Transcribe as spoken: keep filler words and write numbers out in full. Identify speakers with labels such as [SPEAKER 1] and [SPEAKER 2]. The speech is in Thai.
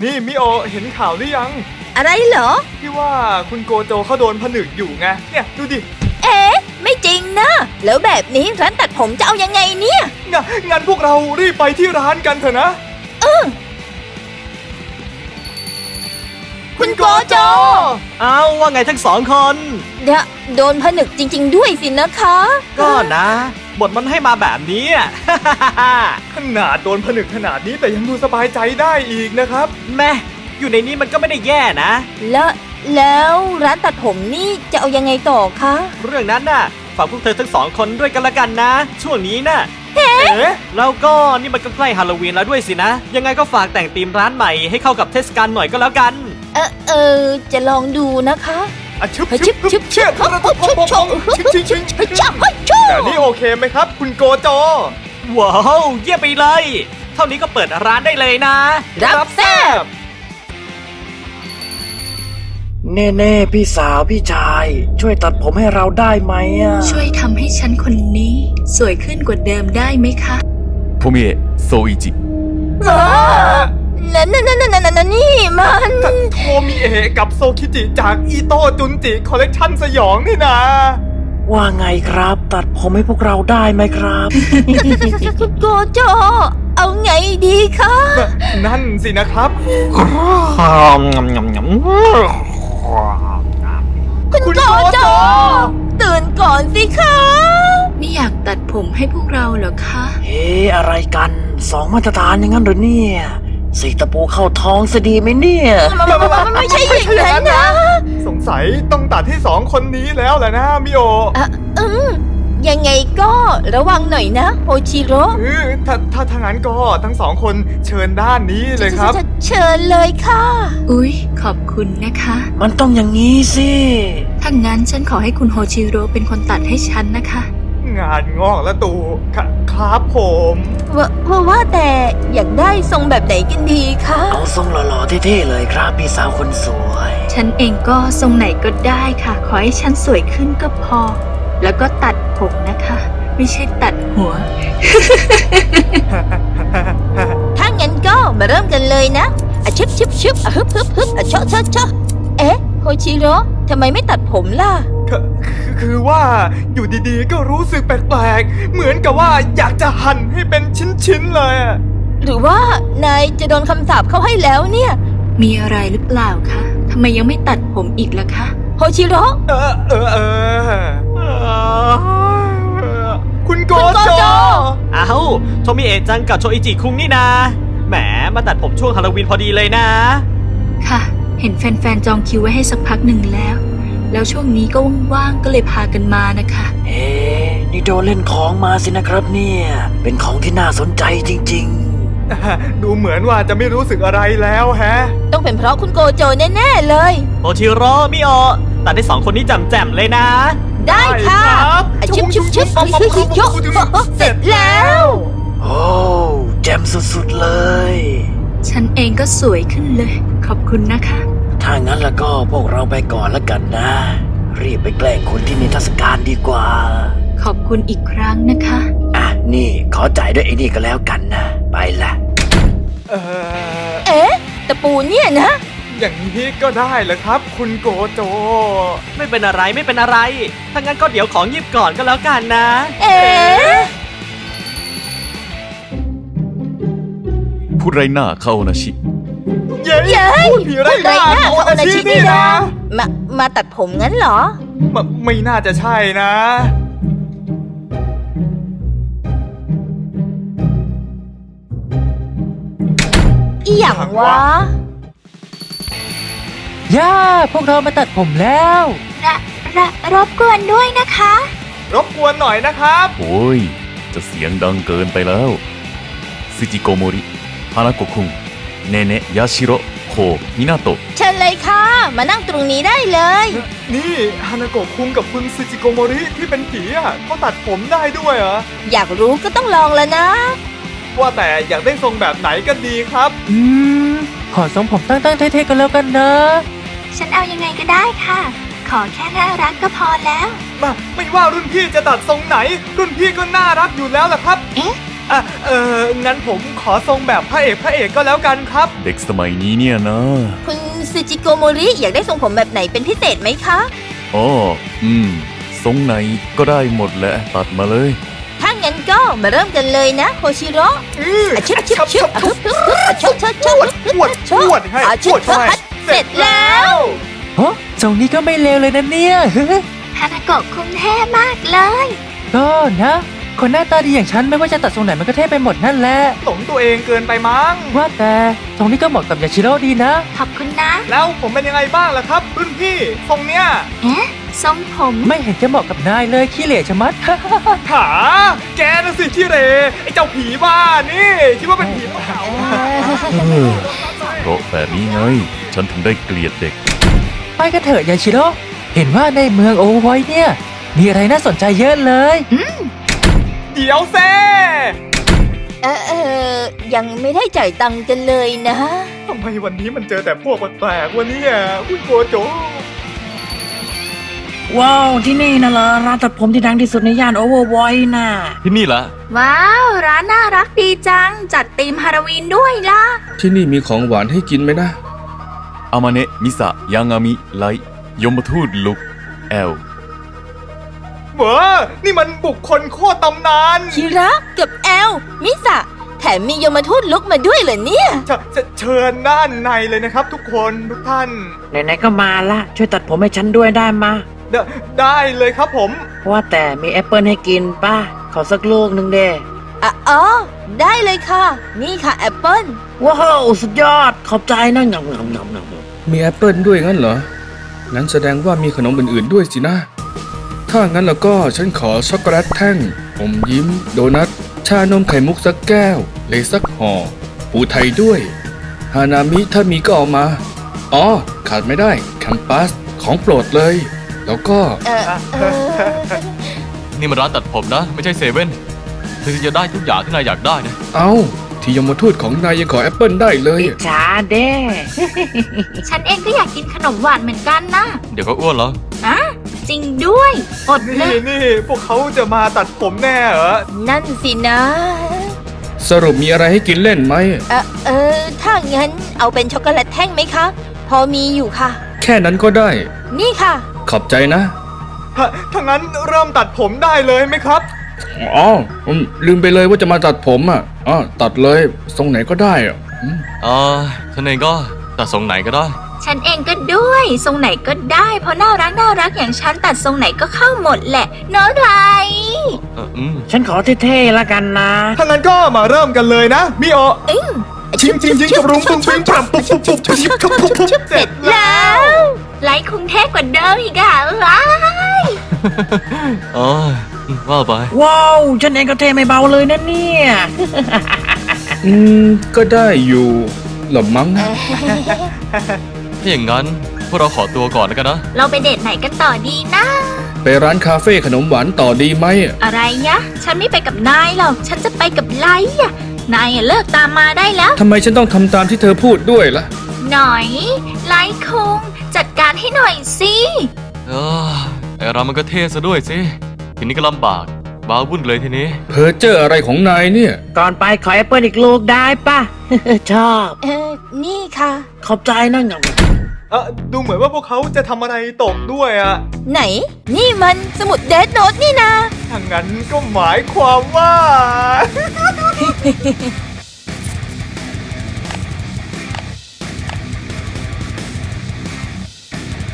[SPEAKER 1] นี่มิโอเห็นข่าวหรือยัง
[SPEAKER 2] อะไรเหรอ
[SPEAKER 1] ที่ว่าคุณโกโจเขาโดนผนึกอยู่ไงเนี่ยดูดิ
[SPEAKER 2] เอ๊ะไม่จริงนะแล้วแบบนี้ร้านตัดผมจะเอายังไงเนี่ย
[SPEAKER 1] งะงั้นพวกเรารีบไปที่ร้านกันเถอะนะ
[SPEAKER 2] เออคุณโกโจ
[SPEAKER 3] เอาว่าไงทั้งสองคน
[SPEAKER 2] เดะโดนผนึกจริงๆด้วยสินะคะ
[SPEAKER 3] ก็นะบทมันให้มาแบบนี้
[SPEAKER 1] ขนาดโดนผนึกขนาดนี้แต่ยังดูสบายใจได้อีกนะครับ
[SPEAKER 3] แม่อยู่ในนี้มันก็ไม่ได้แย่นะ
[SPEAKER 2] แล้วแล้วร้านตัดผมนี่จะเอายังไงต่อคะ
[SPEAKER 3] เรื่องนั้นน่ะฝากพวกเธอทั้งสองคนด้วยกันละกันนะช่วงนี้น่ะ
[SPEAKER 2] เฮ้
[SPEAKER 3] แล้วก็นี่มันก็ใกล้ฮาโลวีนแล้วด้วยสินะยังไงก็ฝากแต่งธีมร้านใหม่ให้เข้ากับเทศกาลหน่อยก็แล้วกัน
[SPEAKER 2] เออเออจะลองดูนะคะ
[SPEAKER 1] อ่ะชึบ
[SPEAKER 2] ชึบชึบชึบชึบชึบชึบชึบชึบชึบชึบ
[SPEAKER 1] แต่นี่โอเคไหมครับคุณโกโจ
[SPEAKER 3] ว้าวเยี่ยมไปเลยเท่านี้ก็เปิดร้านได้เลยนะ
[SPEAKER 2] รับแซ่บ
[SPEAKER 4] เน่เน่พี่สาวพี่ชายช่วยตัดผมให้เราได้ไหมอ่ะ
[SPEAKER 5] ช่วยทำให้ฉันคนนี้สวยขึ้นกว่าเดิมได้ไหมคะ
[SPEAKER 6] โทมิเอะโซอิจิ
[SPEAKER 2] นั่นนั่นนั่นนั่นนั่นนี่มัน
[SPEAKER 1] โทมิเอะกับโซคิจิจากอิโต้จุนจิคอลเลกชันสยองนี่นะ
[SPEAKER 4] ว่าไงครับตัดผมให้พวกเราได้ไหมครับ
[SPEAKER 2] คุณโกโจเอาไงดีคะ
[SPEAKER 1] นั่นสินะครับ
[SPEAKER 2] คุณโกโจตื่นก่อนสิคะ
[SPEAKER 5] ไม่อยากตัดผมให้พวกเราเหรอคะ
[SPEAKER 4] เฮ้อะไรกันสองมาตรฐานอย่างนั้นหรือเนี่ยสีตะปูเข้าท้องซะดีไหมเนี่ย
[SPEAKER 2] ไม่ใช่อย่างนั้นนะ
[SPEAKER 1] สงสัยต้องตัดที่สองคนนี้แล้วแหละนะมิโอ
[SPEAKER 2] อืมยังไงก็ระวังหน่อยนะโฮชิโร่
[SPEAKER 1] ถ้าถ้าทางนั้นก็ทั้งสองคนเชิญด้านนี้เลยครับ
[SPEAKER 2] เชิญเลยค่ะ
[SPEAKER 5] อุ๊ยขอบคุณนะคะ
[SPEAKER 4] มันต้องอย่างนี้สิ
[SPEAKER 5] ถ้างั้นฉันขอให้คุณโฮชิโร่เป็นคนตัดให้ฉันนะคะ
[SPEAKER 1] งานงอกแล้วตู่ครับผม
[SPEAKER 2] ว่าว่าแต่อยากได้ทรงแบบไหนกันดีคะ
[SPEAKER 4] เอาทรงหล่อๆเท่ๆเลยครับพี่สาวคนสวย
[SPEAKER 5] ฉันเองก็ทรงไหนก็ได้ค่ะขอให้ฉันสวยขึ้นก็พอแล้วก็ตัดผมนะคะไม่ใช่ตัดหัว
[SPEAKER 2] ถ้างั้นก็มาเริ่มกันเลยนะอะชึบชึบชึบอะฮึบฮึบฮึบอะเชาะเชาะเชาะเอ๊ะโฮชิโร่ทำไมไม่ตัดผมล่ะ
[SPEAKER 1] คือว่าอยู่ดีๆก็รู้สึกแปลกๆเหมือนกับว่าอยากจะหั่นให้เป็นชิ้นๆเลย
[SPEAKER 2] หรือว่านายจะโดนคำสาปเข้าให้แล้วเนี่ย
[SPEAKER 5] มีอะไรหรือเปล่าคะทำไมยังไม่ตัดผมอีกล่ะคะ
[SPEAKER 2] โฮชิโร่
[SPEAKER 1] เออเออเออคุณโกโจ
[SPEAKER 3] อ้าวโทมิเอะจังกับโชอิจิคุงนี่นะแหมมาตัดผมช่วงฮาโลวีนพอดีเลยนะ
[SPEAKER 5] ค่ะเห็นแฟนๆจองคิวไว้ให้สักพักหนึ่งแล้วแล้วช่วงนี้ก็ว่างๆก็เลยพากันมานะคะ
[SPEAKER 4] เฮ้นี่โดนเล่นของมาสินะครับเนี่ยเป็นของที่น่าสนใจจริง
[SPEAKER 1] ๆดูเหมือนว่าจะไม่รู้สึกอะไรแล้วแฮะ
[SPEAKER 2] ต้องเป็นเพราะคุณโกโจแน่ๆเลย
[SPEAKER 3] โอชิโร่มิโอตัดได้สองคนนี้แจ่มๆเลยนะ
[SPEAKER 2] ได้ค่ะชิบชิบชิบชิบชิบชิบเสร็จแล้ว
[SPEAKER 4] โอ้แจ่มสุดๆเลย
[SPEAKER 5] ฉันเองก็สวยขึ้นเลยขอบคุณนะคะ
[SPEAKER 4] ถ้างั้นแล้วก็พวกเราไปก่อนแล้วกันนะรีบไปแกล้งคนที่นิทรรศการดีกว่า
[SPEAKER 5] ขอบคุณอีกครั้งนะคะ
[SPEAKER 4] อ่ะนี่ขอจ่ายด้วยไอ้นี่ก็แล้วกันนะไปละ
[SPEAKER 2] เอ๊ะตะปูเนี่ยนะ
[SPEAKER 1] อย่างนี้ก็ได้เหรอครับคุณโกโจ
[SPEAKER 3] ไม่เป็นอะไรไม่เป็นอะไรถ้างั้นก็เดี๋ยวของหยิบก่อนก็แล้วกันนะ
[SPEAKER 2] เอ๊ะ
[SPEAKER 6] ผู้ไรหน้าเข้านะชิ
[SPEAKER 1] เย้พูดผีไรหน้าเข้านะชินี่นะ
[SPEAKER 2] มามาตัดผมงั้นเหรอ
[SPEAKER 1] ไม่ไม่น่าจะใช่นะ
[SPEAKER 2] อีหยังวะ
[SPEAKER 4] ย่าพวกเรามาตัดผมแล้ว
[SPEAKER 5] ระระรบกวนด้วยนะคะ
[SPEAKER 1] รบกวนหน่อยนะครับ
[SPEAKER 6] โอ้ยจะเสียงดังเกินไปแล้วซึจิโกโมริฮานาโกะคุงเนเนะยาชิโร่โคมินาโตะ
[SPEAKER 2] เชิญเลยค่ะมานั่งตรงนี้ได้เลย
[SPEAKER 1] นี่ฮานาโกะคุงกับคุณซึจิโกโมริที่เป็นผีอ่ะเขาตัดผมได้ด้วยเหรอ
[SPEAKER 2] อยากรู้ก็ต้องลองแล้วนะ
[SPEAKER 1] ว่าแต่อยากได้ทรงแบบไหนกันดีครับ
[SPEAKER 4] อืมขอทรงผมตั้งๆเท่ๆกันแล้วกันนะ
[SPEAKER 5] ฉันเอายังไงก็ได้ค่ะขอแค่น่ารักก็พอแล้ว
[SPEAKER 1] มาไม่ว่ารุ่นพี่จะตัดทรงไหนรุ่นพี่ก็น่ารักอยู่แล้วล่ะครับ
[SPEAKER 5] เอ๊ะ
[SPEAKER 1] อ่ะเอองั้นผมขอทรงแบบพระเอกพระเอกก็แล้วกันครับ
[SPEAKER 6] เด็กสมัยนี้เนี่ยนะ
[SPEAKER 2] คุณซูจิโกโมริอยากได้ทรงผมแบบไหนเป็นพิเศษไหมคะ
[SPEAKER 6] อ๋ออืมทรงไหนก็ได้หมดแหละตัดมาเลย
[SPEAKER 2] ถ้างั้นก็มาเริ่มกันเลยนะโฮชิโร่
[SPEAKER 1] อือ
[SPEAKER 2] อะชิบชิบชิบอะฮึบฮึบฮึบอะชดชดชด
[SPEAKER 1] ปวดปวดให้
[SPEAKER 2] อะ
[SPEAKER 1] ป
[SPEAKER 2] ชิบ
[SPEAKER 1] วดเข้าไป
[SPEAKER 2] เสร็จแล้ว
[SPEAKER 7] โอ้ทรงนี้ก็ไม่เลวเลยนะเนี่ย
[SPEAKER 5] ฮานาโกะคุงเท่มากเลย
[SPEAKER 7] ก็นะ คนหน้าตาดีอย่างฉันไม่ว่าจะตัดทรงไหนมันก็เท่ไปหมดนั่นแหละ
[SPEAKER 1] หลงตัวเองเกินไปมั้ง
[SPEAKER 7] ว่าแต่ทรงนี้ก็เหมาะกับยาชิโร่ดีนะ
[SPEAKER 5] ขอบคุณนะ
[SPEAKER 1] แล้วผมเป็นยังไงบ้างล่ะครับรุ่นพี่ทรงเนี้ย
[SPEAKER 5] เอ๊ะ ทรงผม
[SPEAKER 7] ไม่เห็นจะเหมาะกับนายเลยขี้เหร่ชะมัด
[SPEAKER 1] หาแกน่ะสิที่เรไอ้เจ้าผีบ้านี่คิดว่าเป็นผีเปล่า
[SPEAKER 6] เพราะแบบนี้ไง ฉันถึงได้เกลียดเด็ก
[SPEAKER 7] ไปกันเถอะยาชิโร่เห็นว่าในเมืองโอไวท์เนี่ย มีอะไรน่าสนใจเยอะเลย
[SPEAKER 1] เดี๋ยวเซ่
[SPEAKER 2] เออเออยังไม่ได้จ่ายตังค์กันเลยนะ
[SPEAKER 1] ทำไมวันนี้มันเจอแต่พวกแปลกๆวันนี้อ่ะคุณโกโจ
[SPEAKER 4] ว้าว ที่นี่นะเหรอร้านตัดผมที่ดังที่สุดในย่านโอเวอร์ไวท์น่ะ
[SPEAKER 3] ที่นี่ละ
[SPEAKER 5] ว้าว ร้านน่ารักดีจัง จัดธีมฮาโลวีนด้วยล่ะ
[SPEAKER 8] ที่นี่มีของหวานให้กินไหมนะ
[SPEAKER 6] อามาเนะมิสะยังามิไลยมทูตลุกแอล
[SPEAKER 1] เว้อนี่มันบุคคลโคตรตำนาน
[SPEAKER 2] คิระกับแอล มิสะ แถมมียมทูตลุกมาด้วยเหรอเนี่ย
[SPEAKER 1] จะจะเชิญด้านในเลยนะครับทุกคนทุกท่าน
[SPEAKER 4] ไหนๆก็มาละช่วยตัดผมให้ฉันด้วยได้มา
[SPEAKER 1] เดได้เลยครับผม
[SPEAKER 4] ว่าแต่มีแอปเปิลให้กินป้าขอสักลูกหนึ่งเด้
[SPEAKER 2] อ่ะอ๋อ ได้เลยค่ะ นี่ค่ะแอปเปิ้ล
[SPEAKER 4] ว้าว สุดยอด ขอบใจนะงำงำงำงำ
[SPEAKER 8] มีแอปเปิลด้วยงั้นเหรอ งั้นแสดงว่ามีขนมอื่นๆด้วยสินะ ถ้างั้นแล้วก็ฉันขอช็อกโกแลตแท่ง อมยิ้ม โดนัท ชานมไข่มุกสักแก้ว เลยสักห่อ ปูไทยด้วย ฮานามิถ้ามีก็เอามา อ๋อ ขาดไม่ได้แคมปัส ของโปรดเลย แล้วก็
[SPEAKER 2] เออเออ
[SPEAKER 3] นี่มันร้านตัดผมนะ ไม่ใช่เซเว่นเธอจะได้ทุกอย่างที่นายอยากได้นะ
[SPEAKER 8] เอาที่ยมทูตของนายยังขอแอปเปิลได้เลย
[SPEAKER 4] อิจฉาเด้
[SPEAKER 5] ฉันเองก็อยากกินขนมหวานเหมือนกันนะ
[SPEAKER 3] เดี๋ยวก็อ้วนแล้ว
[SPEAKER 5] อะจริงด้วย อดเล
[SPEAKER 1] นี่
[SPEAKER 5] ย
[SPEAKER 1] นี่พวกเขาจะมาตัดผมแน่เหรอ
[SPEAKER 2] นั่นสินะ
[SPEAKER 8] สรุปมีอะไรให้กินเล่นไหม
[SPEAKER 2] เออเออ ถ้างั้นเอาเป็นช็อกโกแลตแท่งไหมคะ พอมีอยู่ค่ะ
[SPEAKER 8] แค่นั้นก็ได้
[SPEAKER 2] นี่ค่ะ
[SPEAKER 8] ขอบใจนะ
[SPEAKER 1] ถ้าถ้างั้นเริ่มตัดผมได้เลยไหมครับ
[SPEAKER 8] อ๋อผมลืมไปเลยว่าจะมาตัดผมอ่ะอ๋อตัดเลยทรงไหนก็ได้อ่ะอืม
[SPEAKER 3] อ่าฉันเองก็ตัดทรงไหนก็ได้
[SPEAKER 5] ฉันเองก็ด้วย ทรงไหนก็ได้ เพราะน่ารักน่ารักอย่างฉันตัดทรงไหนก็เข้าหมดแหละเนอะไร
[SPEAKER 3] เอออืม
[SPEAKER 4] ฉันขอเท่ๆละกันนะ
[SPEAKER 1] ถ้างั้นก็มาเริ่มกันเลยนะมิโอ
[SPEAKER 2] อึ้ง
[SPEAKER 1] ชิงชิงชิงกับรุงปุ้งปิ้งปรับปุ๊บปุ๊บปุ๊บปุ๊บปุ๊บปุ๊บปุ๊บปุ๊บเสร็จแล้ว
[SPEAKER 5] ไลค์คุงเท่กว่าเดิมอีกอะว้าย
[SPEAKER 3] อ๋อว่าไป
[SPEAKER 4] ว้าว ฉันเองก็เท่ไม่เบาเลยนะเนี่ย
[SPEAKER 8] อืมก็ได้อยู่หรอมั้งนะ
[SPEAKER 3] ถ้าอย่างนั้นพวกเราขอตัวก่อนแล้วกันนะ
[SPEAKER 5] เราไปเดทไหนกันต่อดีนะ
[SPEAKER 8] ไปร้านคาเฟ่ขนมหวานต่อดีไหม
[SPEAKER 5] อะไรยะ ฉันไม่ไปกับนายหรอก ฉันจะไปกับไลค์อะนายอะเลิกตามมาได้แล้ว
[SPEAKER 8] ทำไมฉันต้องทำตามที่เธอพูดด้วยล่ะ
[SPEAKER 5] หน่อย ไลค์คุงจัดการให้หน่อยสิ
[SPEAKER 3] เออไอเรามันก็เท่ซะด้วยสิ ทีนี้ก็ลำบากบ้าวุ่นเลยทีนี้
[SPEAKER 8] เพอเจออะไรของนายเนี่ย
[SPEAKER 4] ก่อนไปขอแอปเปิลอีกลูกได้ป่ะ ชอบ
[SPEAKER 2] เออ นี่ค่ะ
[SPEAKER 4] ขอบใจนะงำ
[SPEAKER 1] เออดูเหมือนว่าพวกเขาจะทำอะไรตกด้วยอะ
[SPEAKER 2] ไหน นี่มันสมุดเดทโนตนี่นะ
[SPEAKER 1] ถ้างั้นก็หมายความว่า